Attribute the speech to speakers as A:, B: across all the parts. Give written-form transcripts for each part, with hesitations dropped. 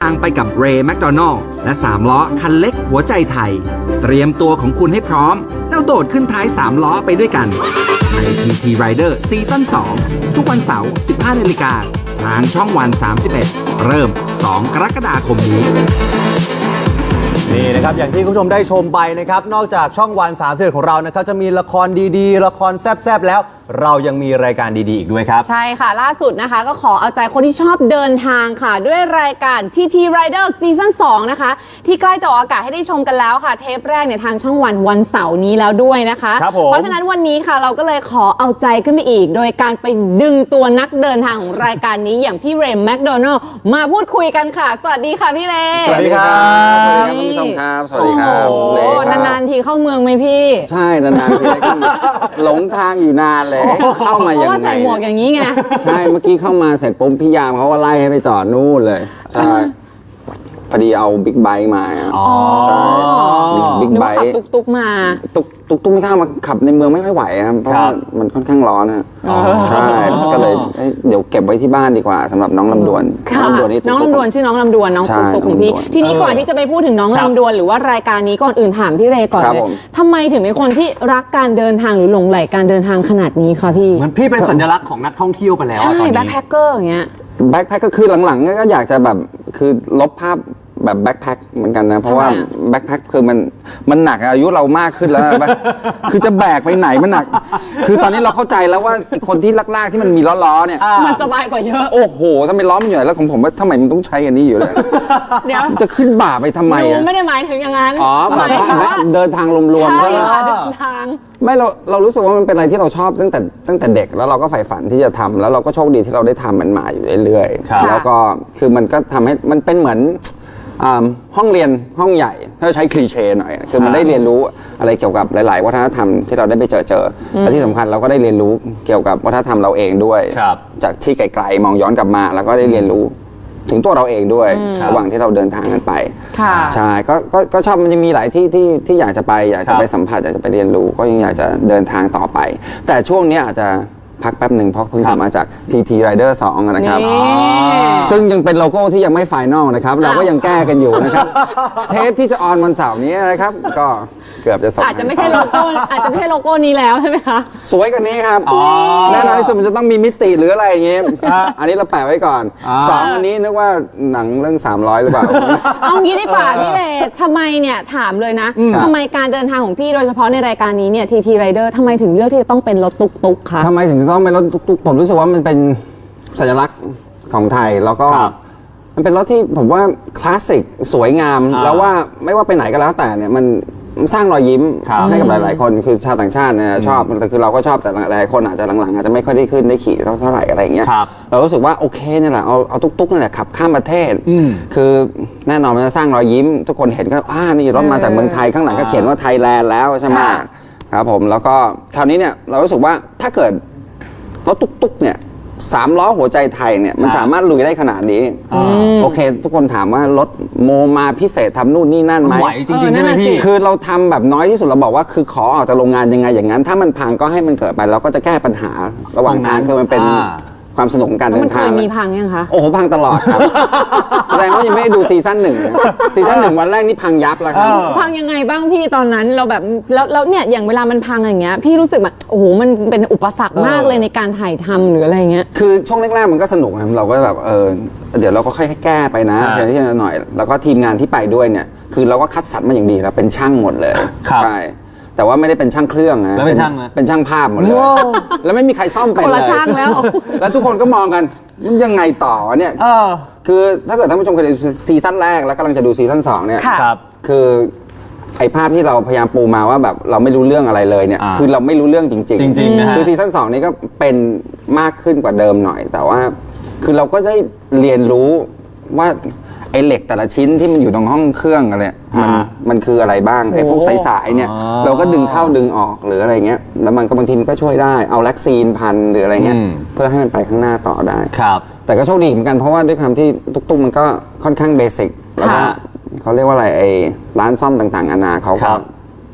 A: างไปกับเรย์แมคโดนัลล์และ3ล้อคันเล็กหัวใจไทยเตรียมตัวของคุณให้พร้อมแล้วโดดขึ้นท้าย3ล้อไปด้วยกันใน TT Rider ซีซั่น 2 ทุกวันเสาร์ 15 นาฬิกาทางช่องวัน 31 เริ่ม 2 กรกฎาคมนี้
B: นี่นะครับอย่างที่คุณผู้ชมได้ชมไปนะครับนอกจากช่องวัน31ของเรานะครับจะมีละครดีๆละครแซ่บๆแล้วเรายังมีรายการดีๆอีกด้วยครับ
C: ใช่ค่ะล่าสุดนะคะก็ขอเอาใจคนที่ชอบเดินทางค่ะด้วยรายการ TT Rider ซีซั่น 2 นะคะที่ใกล้จะออกอากาศให้ได้ชมกันแล้วค่ะเทปแรกเนี่ยทางช่องวันเสาร์นี้แล้วด้วยนะคะเพราะฉะนั้นวันนี้ค่ะเราก็เลยขอเอาใจขึ้นไปอีกโดยการไปดึงตัวนักเดินทางของรายการนี้อย่างพี่เรย์แมคโดนัลล์มาพูดคุยกันค่ะสวัสดีค่ะพี่เรย์
B: สวัสดีครับ
D: ท่านผู้ชมครับสวัสดีครับ
C: โอ้นานๆทีเข้าเมืองไหมพี่
D: ใช่นานๆทีหลงทางอยู่นานเลยเข้ามาอย่างไรเพราะ
C: ว่าใส่หมวกอย่างนี้ไง
D: ใช่เมื่อกี้เข้ามาเสร็จปุ๊บพี่ยามเขาก็ไล่ให้ไปจอดนู่นเลยใช่พอดีเอาบิ๊กไบค์มาใช่บิ๊กไบค์
C: ตุ๊กมา
D: ตุ๊กไม่กล้ามาขับในเมืองไม่ค่อยไหวครับเพราะว่ามันค่อนข้างร้อนนะใช่ก็เลยเดี๋ยวเก็บไว้ที่บ้านดีกว่าสำหรับน้องลำดวน
C: น้องลำดวนชื่อน้องลำดวนน้องตุ๊กของพี่ทีนี้ก่อนที่จะไปพูดถึงน้องลำดวนหรือว่ารายการนี้ก่อนอื่นถามพี่เรย์ก่อนเลยทำไมถึงเป็นคนที่รักการเดินทางหรือหลงใหลการเดินทางขนาดนี้คะพี่
B: เหมือนพี่เป็นสัญลักษณ์ของนักท่องเที่ยวไปแล้ว
C: ใช่แบ็คแพคเกอร์อย่างเงี้ย
D: แบ็คแพคก็คือหลังๆก็อยากจะแบบคือลบภาพแบบแบ็คแพ็คเหมือนกันนะเพราะว่าแบ็คแพ็คคือมันหนักอายุเรามากขึ้นแล้วคือจะแบกไปไหนมันหนักคือตอนนี้เราเข้าใจแล้วว่าคนที่ลากๆที่มันมีล้อๆเนี่ย
C: มันสบายกว่าเยอะ
D: โอ้โหถ้าไม่ล้อมันใหญ่แล้วของผมว่าทำไมมันต้องใช้อันนี้อยู่เลยเดี๋ยวจะขึ้นบ่าไปทำไมอ่ะ
C: ไม่ได้หมายถึงอย่างนั้น
D: อ๋อแบบเดินทางรวมๆ
C: ใช่ค่ะเดินทาง
D: ไม่เรารู้สึกว่ามันเป็นอะไรที่เราชอบตั้งแต่เด็กแล้วเราก็ใฝ่ฝันที่จะทำแล้วเราก็โชคดีที่เราได้ทำมันมาอยู่เรื่อยๆแล้วก็คือมันก็ทำให้มันเป็นเหมือนห้องเรียนห้องใหญ่ถ้าใช้คลีเช่หน่อยคือมันได้เรียนรู้อะไรเกี่ยวกับหลายๆวัฒนธรรมที่เราได้ไปเจอและที่สำคัญเราก็ได้เรียนรู้เกี่ยวกับวัฒนธรรมเราเองด้วยจากที่ไกลๆมองย้อนกลับมาแล้วก็ได้เรียนรู้ถึงตัวเราเองด้วยระหว่างที่เราเดินทางกันไปใช่ก็ชอบมันจะมีหลายที่ที่อยากจะไปสัมผัสอยากจะไปเรียนรู้ก็ยังอยากจะเดินทางต่อไปแต่ช่วงนี้อาจจะพักแป๊บหนึ่งเพราะเพิ่งกลับมาจาก TT Rider 2นะครับซึ่งยังเป็นโลโก้ที่ยังไม่ไฟนอลนะครับเราก็ยังแก้กันอยู่นะครับเทปที่จะออนวันเสาร์นี้นะครับก็เกือบจะส่ง
C: อาจจะไม่ใช่โลโก้นี้แล้วใช่ไหมคะ
D: สวยกว่านี้ครับแน่นอนที่สุดมันจะต้องมีมิติหรืออะไรอย่างเงี้ยอันนี้เราแปะไว้ก่อน2อันนี้นึกว่าหนังเรื่อง300หรือเปล่า
C: เอางี้ดีกว่าพี่เลทำไมเนี่ยถามเลยนะทำไมการเดินทางของพี่โดยเฉพาะในรายการนี้เนี่ย TT Rider ทำไมถึงเลือกที่จะต้องเป็นรถตุ๊กๆคะ
D: ทำไมถึงจะต้องเป็นรถตุ๊กๆผมรู้สึกว่ามันเป็นสัญลักษณ์ของไทยแล้วก็มันเป็นรถที่ผมว่าคลาสสิกสวยงามแล้วว่าไม่ว่าไปไหนก็แล้วแต่เนี่ยมันสร้างรอยยิ้มให้กับหลายๆคนคือชาวต่างชาติเนี่ยชอบแต่คือเราก็ชอบแต่หลายคนอาจจะหลังๆอาจจะไม่ค่อยได้ขึ้นได้ขี่เท่าไหร่อะไรอย่างเงี้ยเรารู้สึกว่าโอเคเนี่ยแหละเอาตุ๊กๆนี่แหละขับข้ามประเทศคือแน่นอนมันจะสร้างรอยยิ้มทุกคนเห็นก็นี่รถมาจากเมืองไทยข้างหลังก็เขียนว่าไทยแลนด์แล้วใช่ไหมครับผมแล้วก็คราวนี้เนี่ยเรารู้สึกว่าถ้าเกิดรถตุ๊กๆเนี่ย3 ล้อหัวใจไทยเนี่ยมันสามารถลุยได้ขนาดนี้โอเคทุกคนถามว่ารถโมมาพิเศษทำนู่นนี่นั่นไหม
B: ไหวจริงๆใช่ไหมพี่
D: คือเราทำแบบน้อยที่สุดเราบอกว่าคือขอออกจากโรงงานยังไงอย่างนั้นถ้ามันพังก็ให้มันเกิดไปเราก็จะแก้ปัญหาระหว่างทางคือมันเป็นความสนุกของการเดินทาง
C: มันเคยมีพังยังคะ
D: โอ้โหพังตลอดครับแสดงว่ายังไม่ได้ดูซีซั่น1วันแรกนี่พังยับแล้วครับ
C: พังยังไงบ้างพี่ตอนนั้นเราแบบแล้วเนี่ยอย่างเวลามันพังอย่างเงี้ยพี่รู้สึกแบบโอ้โหมันเป็นอุปสรรคมากเลยในการถ่ายทำหรืออะไรเงี้ย
D: คือช่วงแรกๆมันก็สนุกนะเราก็แบบเดี๋ยวเราก็ค่อยแก้ไปนะเพียงที่หน่อยแล้วก็ทีมงานที่ไปด้วยเนี่ยคือเราก็คัดสรรมาอย่างดีแล้วเป็นช่างหมดเลยใช่แต่ว่าไม่ได้เป็นช่างเครื่องนะเป็นช่างภาพหมดเลยแล้วไม่มีใครซ่อมเป็นเลยแล้วทุกคนก็มองกันมันยังไงต่อเนี่ยคือถ้าเกิดท่านผู้ชมเคยดูซีซั่นแรกแล้วกำลังจะดูซีซั่น2เนี่ยคือไอ้ภาพที่เราพยายามปูมาว่าแบบเราไม่รู้เรื่องอะไรเลยเนี่ยคือเราไม่รู้เรื่องจริงๆคือซีซั่น2นี้ก็เป็นมากขึ้นกว่าเดิมหน่อยแต่ว่าคือเราก็ได้เรียนรู้ว่าไอ้เหล็กแต่ละชิ้นที่มันอยู่ตรงห้องเครื่องอะไรมันคืออะไรบ้างไอ้พวกสายๆเนี่ยเราก็ดึงเข้าดึงออกหรืออะไรเงี้ยแล้วมันก็บางทีมันก็ช่วยได้เอาแล็กซีนพันหรืออะไรเงี้ยเพื่อให้มันไปข้างหน้าต่อได้แต่ก็โชคดีเหมือนกันเพราะว่าด้วยความที่ตุ๊กๆมันก็ค่อนข้างเบสิกแล้วก็เขาเรียกว่าอะไรไอ้ร้านซ่อมต่างๆนานาเขาก็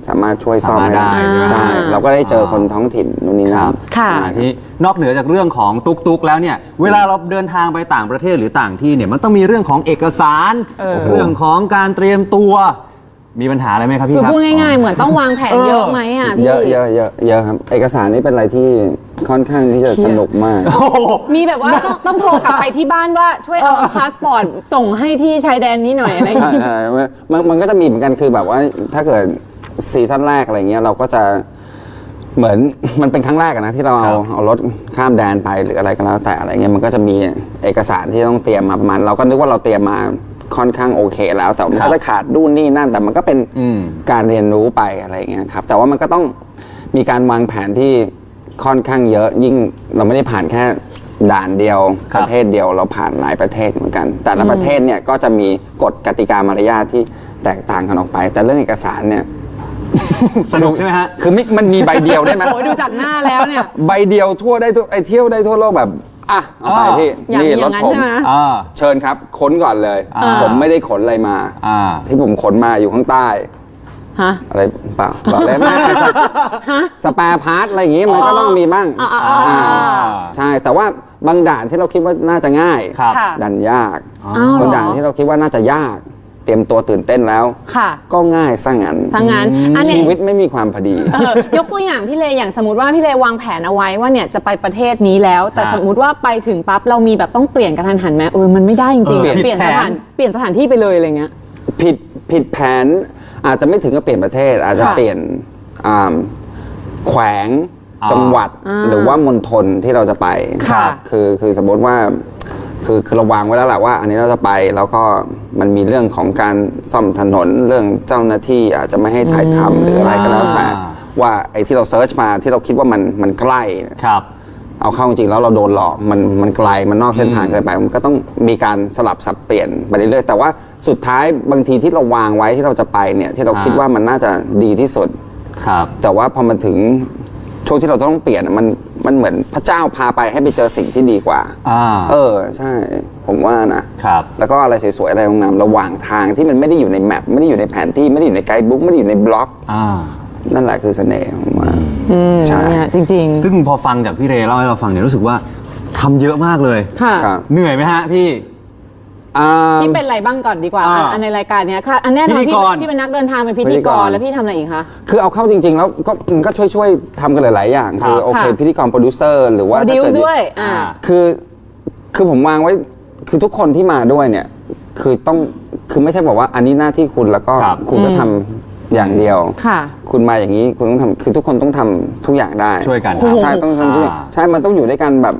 D: สามารถช่วยซ่อมให้ได้
B: สามารถได้ใช่ไหม
D: ใช่เราก็ได้เจอคนท้องถิ่นนู่นนี่
B: ค
D: นั่
B: รั
D: น
B: บ
C: ค่ะ
B: ทีนี้นอกเหนือจากเรื่องของตุกแล้วเนี่ยเวลาเราเดินทางไปต่างประเทศหรือต่างที่เนี่ยมันต้องมีเรื่องของเอกสาร เรื่องของการเตรียมตัวมีปัญหาอะไรไหมครับพี่
C: คือ
B: ครับ
C: พูดง่ายๆ เหมือนต้องวางแผนเยอะไหมอ่ะพี่
D: เยอะครับเอกสารนี่เป็นอะไรที่ค่อนข้างที่จะสนุกมาก
C: มีแบบว่าต้องโทรกลับไปที่บ้านว่าช่วยเอาพาสปอร์ตส่งให้ที่ชายแดนนี้หน่อยอะไรอย่าง
D: ใช่
C: เงี้ย
D: ใช่มันก็จะมีเหมือนกันคือแบบว่าถ้าเกิดซีซั่นแรกอะไรเงี้ยเราก็จะเหมือนมันเป็นครั้งแรกอะนะที่เราเอารถข้ามแดนไปหรืออะไรก็แล้วแต่อะไรเงี้ยมันก็จะมีเอกสารที่ต้องเตรียมมาประมาณเราก็นึกว่าเราเตรียมมาค่อนข้างโอเคแล้วแต่มันก็จะขาดนู่นนี่นั่นแต่มันก็เป็นการเรียนรู้ไปอะไรเงี้ยครับแต่ว่ามันก็ต้องมีการวางแผนที่ค่อนข้างเยอะยิ่งเราไม่ได้ผ่านแค่ด่านเดียว
B: ค
D: ป
B: รับ
D: ระเทศเดียวเราผ่านหลายประเทศเหมือนกัน แต่ละประเทศเนี่ยก็จะมีกฎกติกามารยาทที่แตกต่างกันออกไป แต่เรื่องเอกสารเนี่ย
B: สนุกใช่ไหมฮะ
D: คือมันมีใบเดียวได้ไหม
C: โอ้ยดูจากหน้าแล้วเนี่ย
D: ใบเดียวทั่วได้ทั่วเที่ยวได้ทั่วโลกแบบอ่ะเอาไปพี่
C: อยากมี
D: นี่
C: อ
D: รถ
C: ย่างนั้น
D: ผม
C: ใช่ไหม
B: อ่า
D: เชิญครับค้นก่อนเลย ผมไม่ได้ขนอะไรมา
B: อ่า
D: ที่ผมขนมาอยู่ข้างใต้
C: ฮะ
D: อะไรเปล่าบอกเลยนะสแปร์พาร์ทอะไรอย่างงี้มันก็ต้องมีบ้างใช่แต่ว่าบางด่านที่เราคิดว่าน่าจะง่าย
B: ครับ
C: ค่ะ
D: ดันยาก
C: อ้าวเหรอ
D: บางด่านที่เราคิดว่าน่าจะยาก เตรียมตัวตื่นเต้นแล้ว
C: ค่ะ
D: ก็ง่ายซะงั้น
C: สังงานอันเนี้
D: ชี
C: ย
D: วิตไม่มีความพอดี
C: ยกตัวอย่างพี่เลอย่างสมมติว่าพี่เลวางแผนเอาไว้ว่าเนี่ยจะไปประเทศนี้แล้ว แต่
B: อ่า
C: สมมติว่าไปถึงปั๊บเรามีแบบต้องเปลี่ยนกระทันหันไหมมันไม่ได้จริงๆ
B: เปลี่ยน
C: เปลี่ยน
B: แผ
C: ส
B: น
C: ถานเปลี่ยนสถานที่ไปเลยอะไรเงี้ย
D: ผิดแผนอาจจะไม่ถึงกับเปลี่ยนประเทศ อาจจะ
C: ค่ะ
D: เปลี่ยนแขวง
B: อ่า
D: จังหวัดหรือว่ามณฑลที่เราจะไป
C: ค่ะ
D: คือสมมติว่าคือเราวางไว้แล้วแหละว่า อันนี้เราจะไปแล้วก็มันมีเรื่องของการซ่อมถนนเรื่องเจ้าหน้าที่อาจจะไม่ให้ถ่ายทำหรืออะไรก็แล้วแต่ว่าไอ้ที่เราเซิร์ชมาที่เราคิดว่ามันใกล้
B: ครับ
D: เอาเข้าจริงๆแล้วเราโดนหลอกมันไกลมันนอกเส้นทางเกินไปมันก็ต้องมีการสลับสับเปลี่ยนไปเรื่อยๆแต่ว่าสุดท้ายบางทีที่เราวางไว้ที่เราจะไปเนี่ยที่เราคิดว่ามันน่าจะดีที่สุด
B: ครับ
D: แต่ว่าพอมันถึงช่วงที่เราต้องเปลี่ยนอะมันเหมือนพระเจ้าพาไปให้ไปเจอสิ่งที่ดีกว่า ใช่ผมว่านะครับ แล้วก็อะไรสวยๆอะไรงามๆระหว่างทางที่มันไม่ได้อยู่ในแมปไม่ได้อยู่ในแผนที่ไม่ได้อยู่ในไกด์บุ๊กไม่ได้อยู่ในบล็อก
B: อ่า
D: นั่นแหละคือเสน่ห์ผมว่าใช่
C: เนี่ยจริง
B: ซึ่งพอฟังจากพี่เรเล่าให้เราฟังเนี่ยรู้สึกว่าทำเยอะมากเลย
C: ๆ ค่ะ
D: ครับ
B: เหนื่อยไหมฮะพี่
C: พี่เป็นอะไรบ้างก่อนดีกว่า อันในรายการเนี้ยค่ะ อันแน่นอน
B: พิธีกร
C: พี่เป็นนักเดินทางเป็นพิธีกรแล้วพี่ทำอะไรอีกคะ
D: คือเอาเข้าจริง ๆ แล้วก็มันก็ช่วยๆทำกันหลายๆอย่างคือโอเค
C: ค่ะ
D: พิธีกรโปรดิวเซอร์หรือว่า
C: ดิ
D: ถ้าว เกิด
C: ด้วย
D: คือผมวางไว้คือทุกคนที่มาด้วยเนี่ยคือไม่ใช่บอกว่าอันนี้หน้าที่คุณแล้วก็
B: ครับ
D: คุณก็ทำอย่างเดียว
C: ค่ะ
D: คุณมาอย่างนี้คุณต้องทำคือทุกคนต้องทำทุกอย่างได้
B: ช่วยกัน
D: ใช่ต้องทำทุกอย่างใช่มันต้องอยู่ด้วยกันแบบ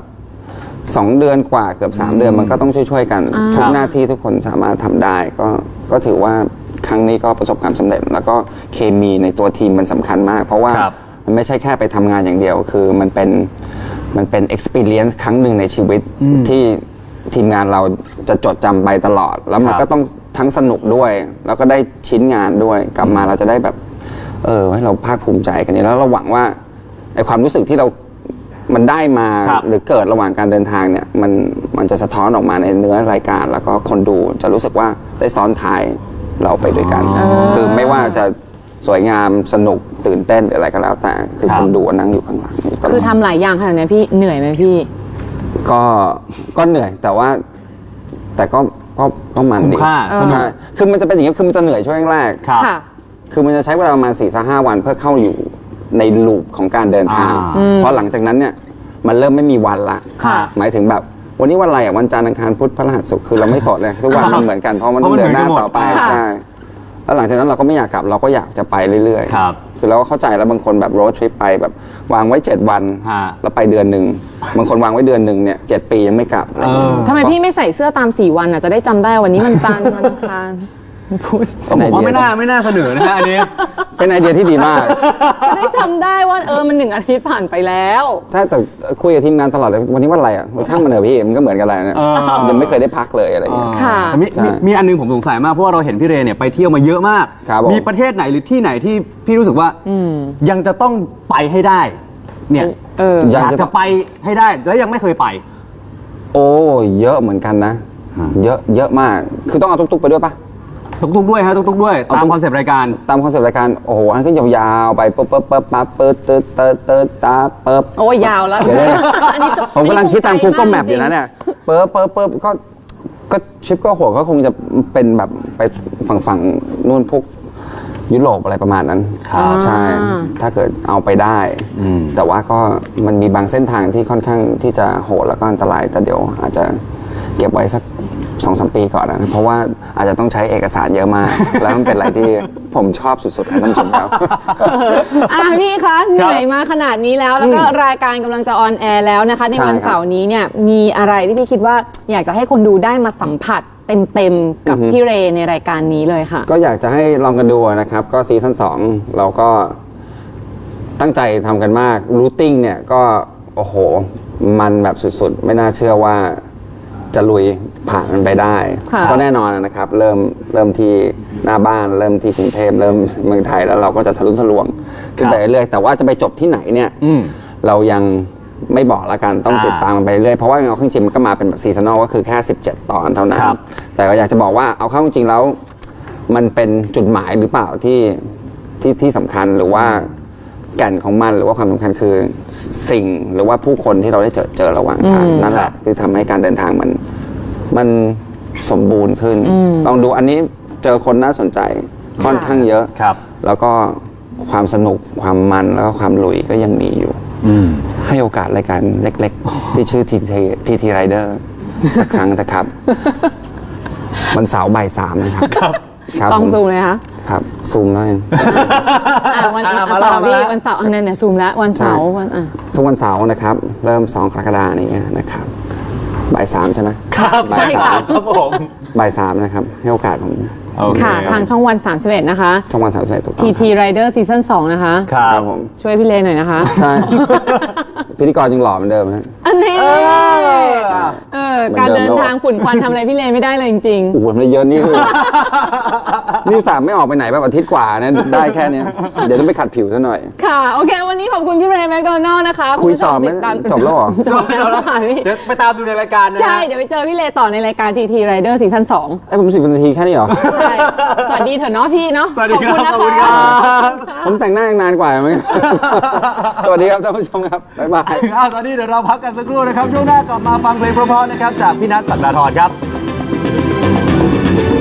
D: 2 เดือนกว่าเกือบ3 เดือนมันก็ต้องช่วยๆกันทุกหน้าที่ทุกคนสามารถทำได้ก็ถือว่าครั้งนี้ก็ประสบความสำเร็จ แล้วก็เคมีในตัวทีมมันสำคัญมาก เพราะว่า
B: ครับ
D: มันไม่ใช่แค่ไปทำงานอย่างเดียว คือมันเป็น experience ครั้งหนึ่งในชีวิตที่ทีมงานเราจะจดจำไปตลอด แล้วมัน
B: ครับ
D: ก็ต้องทั้งสนุกด้วย แล้วก็ได้ชิ้นงานด้วยกลับมาเราจะได้แบบให้เราภาคภูมิใจกันนี้แล้วเราหวังว่าไอความรู้สึกที่มันได้มา
B: ครับ
D: หรือเกิดระหว่างการเดินทางเนี่ยมันจะสะท้อนออกมาในเนื้อรายการ แล้วก็คนดูจะรู้สึกว่าได้ซ้อนท้ายเราไปด้วยกัน คือไม่ว่าจะสวยงามสนุกตื่นเต้นหรืออะไรก็แล้ว แต่คือ
B: ครับ
D: คนดูนั่งอยู่ข้างหลังยู่ตลด
C: คือทำหลายอย่างขนาดเนี้ยพี่เหนื่อยไหมพี่
D: ก็เหนื่อยแต่ว่าแต่ก็มันดี
B: คุ้มค่าสนุก
D: ใช่คือมันจะเป็นอย่างนี้คือมันจะเหนื่อยช่วงแรก
B: ครับ
C: ค่ะ
D: คือมันจะใช้เวลาประมาณ4-5 วันเพื่อเข้าอยู่ในลูปของการเดินทาง เพราะหลังจากนั้นเนี่ยมันเริ่มไม่มีวันละ
C: ค่ะ
D: หมายถึงแบบวันนี้วันอะไรอ่ะวันจันทร์อังคารพุธพฤหัสศุกร์คือเราไม่สดเลยทุกวันมันเหมือนกันเพราะมันต้องเดินหน้าต่อไป
C: ค่ะ
D: ใช่แล้วหลังจากนั้นเราก็ไม่อยากกลับเราก็อยากจะไปเรื่อย
B: ครับ
D: คือเราก็เข้าใจแล้วบางคนแบบโรดทริปไปแบบวางไว้7 วัน
B: ฮะ
D: แล้วไปเดือนหนึ่งบางคนวางไว้เดือนหนึ่งเนี่ย7 ปียังไม่กลับอะไรอย่างเงี้ย
C: ทำไมพี่ไม่ใส่เสื้อตาม4 วันอ่ะจะได้จำได้วันนี้มันจันทร์วันอังคารพูด
B: ผมว่าไม่น่าเสนอนะฮะอันนี้
D: เป็นไอเดียที่ดีมาก
C: จะได้จำได้ว่ามัน1 อาทิตย์ผ่านไปแล้ว
D: ใช่แต่คุยกับทีมงานตลอดเลยวันนี้วันอะไรอ่ะช่างมันเถอะพี่มันก็เหมือนกันแหละเนี่ย
B: เออ
D: ยังไม่เคยได้พักเลยอะไรอย่างเงี้ย
C: ค่ะ
B: มี
D: ใช่
B: มีอันนึงผมสงสัยมากเพราะว่าเราเห็นพี่เรเนี่ยไปเที่ยวมาเยอะมาก
D: ครับผม
B: มีประเทศไหนหรือที่ไหนที่พี่รู้สึกว่ายังจะต้องไปให้ได้ เนี่ย
D: อยาก
B: อยาก
D: จะ
B: จะไปให้ได้แล้วยังไม่เคยไป
D: โอ้เยอะเหมือนกันนะ เยอะมากคือต้องเอาตุ๊กๆไปด้วยปะ
B: ตุกๆด้วยฮะตุกๆด้วยตามคอนเซปต์รายการ
D: ตามคอนเซ็ปต์รายการโอ้โหอันก็ยาวๆไปปึ๊บปึ๊บปึ๊บปั๊บปึ๊บตึ๊ดตึ๊ดตึ๊ดตาปึ๊บ
C: โอ้ยยาวแล้ว
D: เดี๋ยวนะ
C: อันนี้
D: ผมกำลังคิดตาม Google
C: จริง
D: Map อยู่นะเนี่ยปึ๊บปึ๊บปึ๊บก็ชิปก็หัวก็คงจะเป็นแบบไปฝั่งนู่นพวกยุโรปอะไรประมาณนั้นใช่ ถ้าเกิดเอาไปได้ แต่ว่าก็มันมีบางเส้นทางที่ค่อนข้างที่จะโหดแล้วก็อันตราย แต่เดี๋ยวอาจจะเก็บไว้สัก 2-3 ปีก่อนนะ เพราะว่าอาจจะต้องใช้เอกสารเยอะมาก แล้วมันเป็นอะไรที่ผมชอบสุดๆนะท่านผู้ชมครับ
C: พี่คะเหนื่อยมาขนาดนี้แล้วก็รายการกำลังจะออนแอร์แล้วนะคะใน
D: ใช่
C: วัน
D: ครับ
C: เสาร์นี้เนี่ยมีอะไรที่พี่คิดว่าอยากจะให้คนดูได้มาสัมผัสเต็มๆกับพี่เรย์ในรายการนี้เลยค่ะ
D: ก็อยากจะให้ลองกันดูนะครับ ก็ซีซั่น2เราก็ตั้งใจทำกันมากรูทติ้งเนี่ยก็โอ้โหมันแบบสุดๆ ไม่น่าเชื่อว่าจะลุยผ่านมันไปได้
C: ค่ะ
D: ก็แน่นอนนะครับเริ่มที่หน้าบ้านเริ่มที่กรุงเทพเริ่มเมืองไทยแล้วเราก็จะทะลุทะลวงขึ้นไปเรื่อยๆแต่ว่าจะไปจบที่ไหนเนี่ยเรายังไม่บอกละกันต้องติดตามมันไปเรื่อยเพราะว่าเอาเข้าจริงมันก็มาเป็นแบบซีซันอลก็คือแค่17 ตอนเท่านั้น แต่ก็อยากจะบอกว่าเอาเข้าจริงแล้วมันเป็นจุดหมายหรือเปล่าที่สำคัญหรือว่าแก่นของมันหรือว่าความสำคัญคือสิ่งหรือว่าผู้คนที่เราได้เจอระหว่างทางนั่นแหละคือทำให้การเดินทางมันสมบูรณ์ขึ้นลองดูอันนี้เจอคนน่าสนใจค่อนข้างเยอะ
B: ครับ
D: แล้วก็ความสนุกความมันแล้วก็ความลุยก็ยังมีอยู่ให้โอกาสรายการเล็กๆ ที่ชื่อ TT Rider สักครั้งนะครับ วันเสาร์บ่าย 3นะครับครับ
C: ต้อง
D: ผม
C: ซูมเลยคะ
D: ครับซูมแล้วยัง
C: วัน
B: มาแล้ว
C: พี่วันเสาร์อันนั้นเนี่ยซูมแล้ววันเสาร์วัน
D: ทุกวันเสาร์นะครับ เริ่ม 2 กรกฎาคมนี้นะครับบ่าย 3 ใช่ไหม
B: ครับ
D: บ่าย
C: ใช่ค่ะ
B: ครับผม
D: บ่าย 3 นะครับ ให้โอกาสผม
B: โอเค
C: ค่ะ
B: ครับ
C: ทางช่องวัน 31 นะคะ
D: ช่องวัน31ถูกต้อง
C: TT Rider ซีซั่น2นะคะ
B: ครับ
D: ครับผม
C: ช่วยพี่เลหน่อยนะคะ
D: ใช่ พิธีกรยังหล่อเหมือนเดิมฮะ
C: อันนี้การเดินทางฝุ่นควันทำอะไรพี่เลไม่ได้เลยจริง
D: โอ้โหมันเยอะนี่คือ นี่สามไม่ออกไปไหนแบบอาทิตย์กว่านะได้แค่เนี้ยเดี๋ยวต้องไปขัดผิวซะหน่อย
C: ๆ ค่ะ โอเค วันนี้ขอบคุณพี่เรย์แมคโดนัลล์นะคะ
D: คุย
C: ณผู้ช
D: ต่อไหม
C: ติดตาม
D: จบแล้วเหรอ
C: จบแล้วค่ะพี่
B: เดี๋ยวไปตามดูในรายการนะฮะ
C: ใช่ เดี๋ยวไปเจอพี่เลต่อในรายการ TT Rider ซีซั่น2
D: ไอ้ผม10 นาทีแค่นี้เหรอ
C: ใช่สวัสดีเถอะเนาะพี่เนาะ
B: สวัสดีครับ
C: ข
B: ข
C: อ
B: อ
C: บบ คุ
B: คุณ ณ
C: นะ
B: ครั
C: คะ
B: บ
D: ผมแต่งหน้ายังนานกว่าไหม สวัสดีครับท่านผู้ชมครับ บ๊ายบาย
B: ตอนนี้เดี๋ยวเราพักกันสักครู่นะครับ ช่วงหน้ากลับมาฟังเพลงเพราะๆนะครับ จากพี่นัทสักดาธรครับ